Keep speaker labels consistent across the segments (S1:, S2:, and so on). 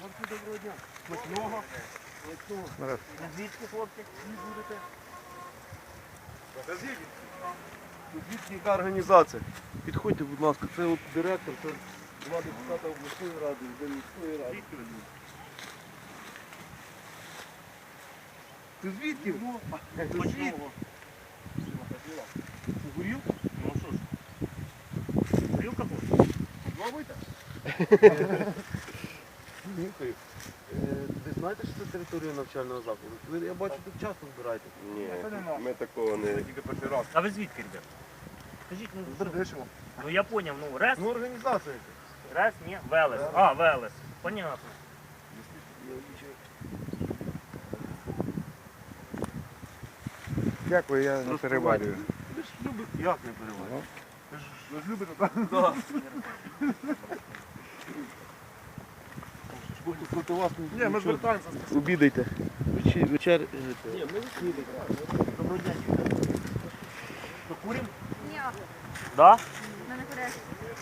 S1: Доброго дня. Смачного. Звідки, хлопці? Будете? Звідки яка організація? Підходьте, будь ласка, це от директор, це два депутата обласної ради, один міської ради. Ти звідки? Ти звідки? Горілку?
S2: Ну що ж, горілка хоче?
S1: Пробуйте. Нюхаю. Ви знаєте, що це територія навчального закладу? Ви, я бачу, тут часто збираєте.
S3: Ні, ми такого не...
S1: Тільки перший раз.
S2: А ви звідки, ребят? Скажіть, ну, що?
S1: Бердишево.
S2: Ну я поняв, ну РЕС,
S1: Ну, організація яка.
S2: РЕС, ні, Велес. А, Велес. Понятно.
S4: Дякую, я не переварюю.
S1: Ви ж любите, як не переварюєте? Ви ж любите, так? Так. Проти вас не... Ні, ми звертаємося. Обідайте. Вечер... Ні, ми відсідайте.
S2: Доброго дня, дівчата. То курим?
S5: Ні,
S2: Да?
S5: мене перець.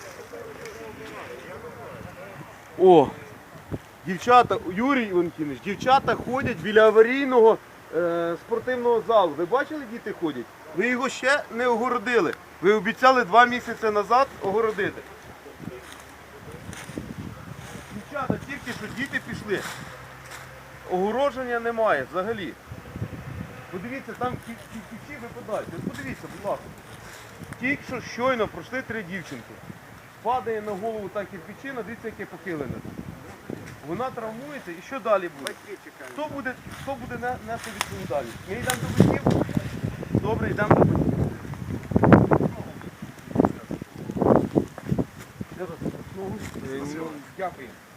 S1: О, дівчата, Юрій Іванківич, дівчата ходять біля аварійного спортивного залу. Ви бачили, діти ходять? Ви його ще не огородили. Ви обіцяли 2 місяці назад огородити. Дівчата, тільки що діти пішли. Огородження немає взагалі. Подивіться, там кічі випадають. От подивіться, будь ласка. Тільки що щойно пройшли 3 дівчинки. Падає на голову та кирпичина, дивіться, яке похилене. Вона травмується і що далі буде? Хто буде нести відповідальність? Ми йдемо до батьків? Добре, йдемо до батьків. Дякую.